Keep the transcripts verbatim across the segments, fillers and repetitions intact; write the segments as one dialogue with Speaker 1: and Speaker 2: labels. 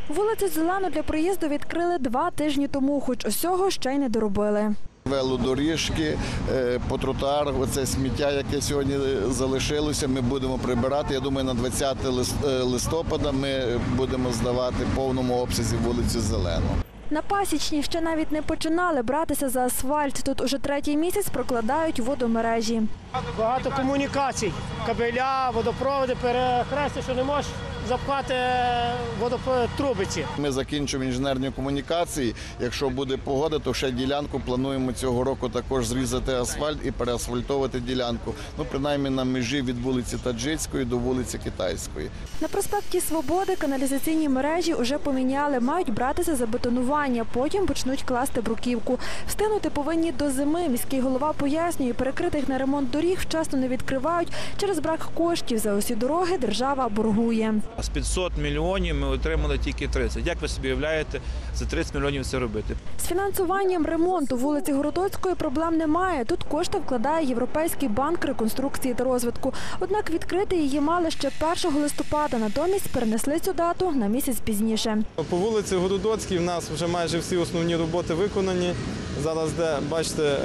Speaker 1: Вулицю Зелену для проїзду відкрили два тижні тому, хоч усього ще й не доробили.
Speaker 2: Велодоріжки, по тротуарах, оце сміття, яке сьогодні залишилося, ми будемо прибирати. Я думаю, на двадцяте листопада ми будемо здавати в повному обсязі вулицю Зелену.
Speaker 1: На Пасічній ще навіть не починали братися за асфальт. Тут уже третій місяць прокладають водомережі.
Speaker 3: Багато комунікацій, кабеля, водопроводи, перехрестя, що не можеш запхати водотрубиці.
Speaker 2: Ми закінчуємо інженерні комунікації. Якщо буде погода, то ще ділянку плануємо цього року також зрізати асфальт і переасфальтовувати ділянку. Ну, принаймні на межі від вулиці Таджицької до вулиці Китайської.
Speaker 1: На проспекті Свободи каналізаційні мережі вже поміняли, мають братися за бетонування, потім почнуть класти бруківку. Встигнути повинні до зими. Міський голова пояснює, перекритих на ремонт доріг вчасно не відкривають через брак коштів. За усі дороги держава боргує.
Speaker 4: З п'ятсот мільйонів ми отримали тільки тридцять. Як ви собі уявляєте, за тридцять мільйонів це робити?
Speaker 1: З фінансуванням ремонту вулиці Городоцької проблем немає. Тут кошти вкладає Європейський банк реконструкції та розвитку. Однак відкрити її мали ще першого листопада, натомість перенесли цю дату на місяць пізніше.
Speaker 5: По вулиці Городоцькій в нас вже майже всі основні роботи виконані. Зараз де, бачите,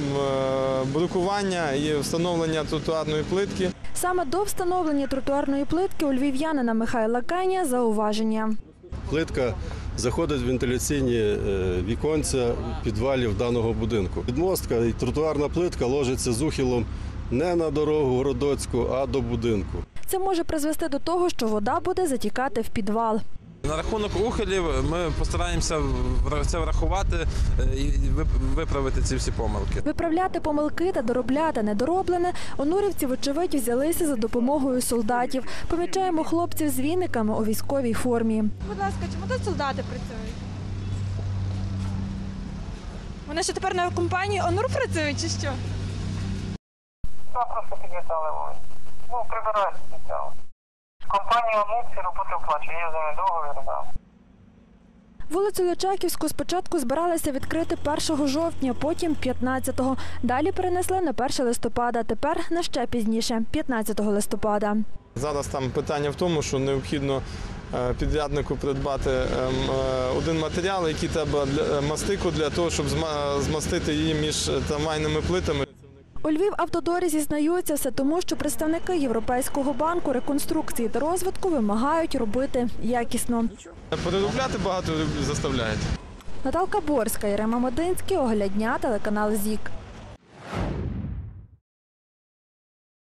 Speaker 5: брукування і встановлення тротуарної плитки.
Speaker 1: Саме до встановлення тротуарної плитки у львів'янина Михайла Кеня зауваження.
Speaker 6: Плитка заходить в вентиляційні віконця підвалів даного будинку. Підмостка і тротуарна плитка ложиться з ухилом не на дорогу Городоцьку, а до будинку.
Speaker 1: Це може призвести до того, що вода буде затікати в підвал.
Speaker 4: На рахунок ухилів ми постараємося це врахувати і виправити ці всі помилки.
Speaker 1: Виправляти помилки та доробляти недороблене онурівці, вочевидь, взялися за допомогою солдатів. Помічаємо хлопців з віниками у військовій формі.
Speaker 7: Будь ласка, чому тут солдати працюють? Вони що тепер на компанії ОНУР працюють чи що?
Speaker 8: Так, просто підвітали вулиці. Ну, прибирають спеціально. Компанія ОНУР ці роботи оплачує, є з ними договір, так.
Speaker 1: Вулицю Личаківську спочатку збиралися відкрити першого жовтня, потім п'ятнадцятого. Далі перенесли на перше листопада, тепер на ще пізніше, п'ятнадцятого листопада.
Speaker 5: Зараз там питання в тому, що необхідно підряднику придбати один матеріал, який треба для мастику, для того, щоб змастити її між трамвайними плитами.
Speaker 1: У Львівавтодорі зізнаються, все тому, що представники Європейського банку реконструкції та розвитку вимагають робити якісно.
Speaker 5: Переробляти багато заставляють.
Speaker 1: Наталка Борська, Єрема Модинський, Огляд дня, телеканал ЗІК.